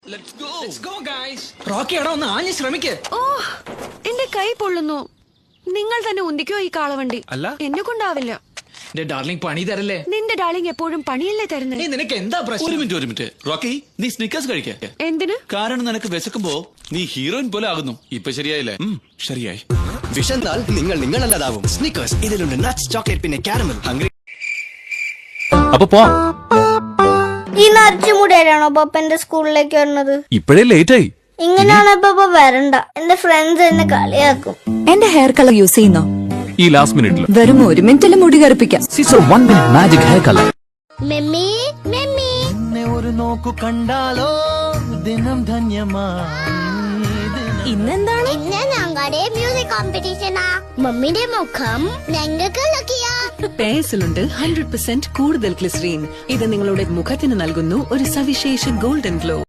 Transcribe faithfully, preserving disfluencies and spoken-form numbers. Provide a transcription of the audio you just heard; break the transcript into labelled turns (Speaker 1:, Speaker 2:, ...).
Speaker 1: Rocky എടാ ഒന്ന് ആഞ്ഞ് ശ്രമിക്ക്.
Speaker 2: ഓ എന്റെ കൈ പൊള്ളുന്നു. നിങ്ങൾ തന്നെ ഉന്തിക്കോ ഈ കാളവണ്ടി.
Speaker 1: അല്ല
Speaker 2: എന്നെ കൊണ്ടാവില്ല.
Speaker 1: ഡാർലിംഗ് പണി തരല്ലേ.
Speaker 2: നിന്റെ ഡാർലിംഗ് എപ്പോഴും പണിയല്ലേ തരുന്നത്.
Speaker 1: നിനക്ക് എന്താ പ്രശ്നം?
Speaker 3: ഒരു മിനിറ്റ് ഒരു മിനിറ്റ് റോക്കി, നീ സ്നിക്കേഴ്സ് കഴിക്ക.
Speaker 2: എന്തിന്?
Speaker 3: കാരണം നിനക്ക് വിശക്കുമ്പോ നീ ഹീറോയിൻ പോലെ ആകുന്നു. ഇപ്പൊ ശരിയായില്ലേ? ശരിയായി.
Speaker 4: വിശന്നാൽ നിങ്ങൾ നിങ്ങളല്ലാതാവും. സ്നിക്കേഴ്സ് ഇതിലുണ്ട് നട്ട്സ്, ചോക്ലേറ്റ്, പിന്നെ കാരമൽ. ഹംഗ്രി
Speaker 3: അപ്പൊ പോ.
Speaker 5: ഈ നരച്ചുമുടിയാണോ പപ്പന്റെ സ്കൂളിലേക്ക് വരുന്നത്?
Speaker 3: ഇപ്പോഴേ ലേറ്റ് ആയി.
Speaker 5: ഇങ്ങനെയാണ് ഇപ്പൊ വരണ്ട. എന്റെ ഫ്രണ്ട്സ് എന്നെ കളിയാക്കും.
Speaker 6: എന്റെ ഹെയർ കളർ യൂസ് ചെയ്യുന്നോ?
Speaker 3: ഈ ലാസ്റ്റ് മിനിറ്റിൽ
Speaker 6: വെറും ഒരു മിനിറ്റിൽ മുടി കറുപ്പിക്കാം.
Speaker 3: സിസോ one minute magic hair colour.
Speaker 5: Mummy mummy
Speaker 4: ഒരു നോക്കു കണ്ടാലോ ദിനം ധന്യമായി.
Speaker 6: ഇന്നെന്താണ്?
Speaker 5: ഇന്ന് ഞങ്ങളുടെ മ്യൂസിക് കോമ്പറ്റീഷനാ. മമ്മിന്റെ മുഖം ഞങ്ങൾക്ക് ലക്കിയാ.
Speaker 7: പേഴ്സിലുണ്ട് ഹൺഡ്രഡ് പെർസെന്റ് കൂടുതൽ ഗ്ലിസറീൻ. ഇത് നിങ്ങളുടെ മുഖത്തിന് നൽകുന്നു ഒരു സവിശേഷ ഗോൾഡൻ ഗ്ലോ.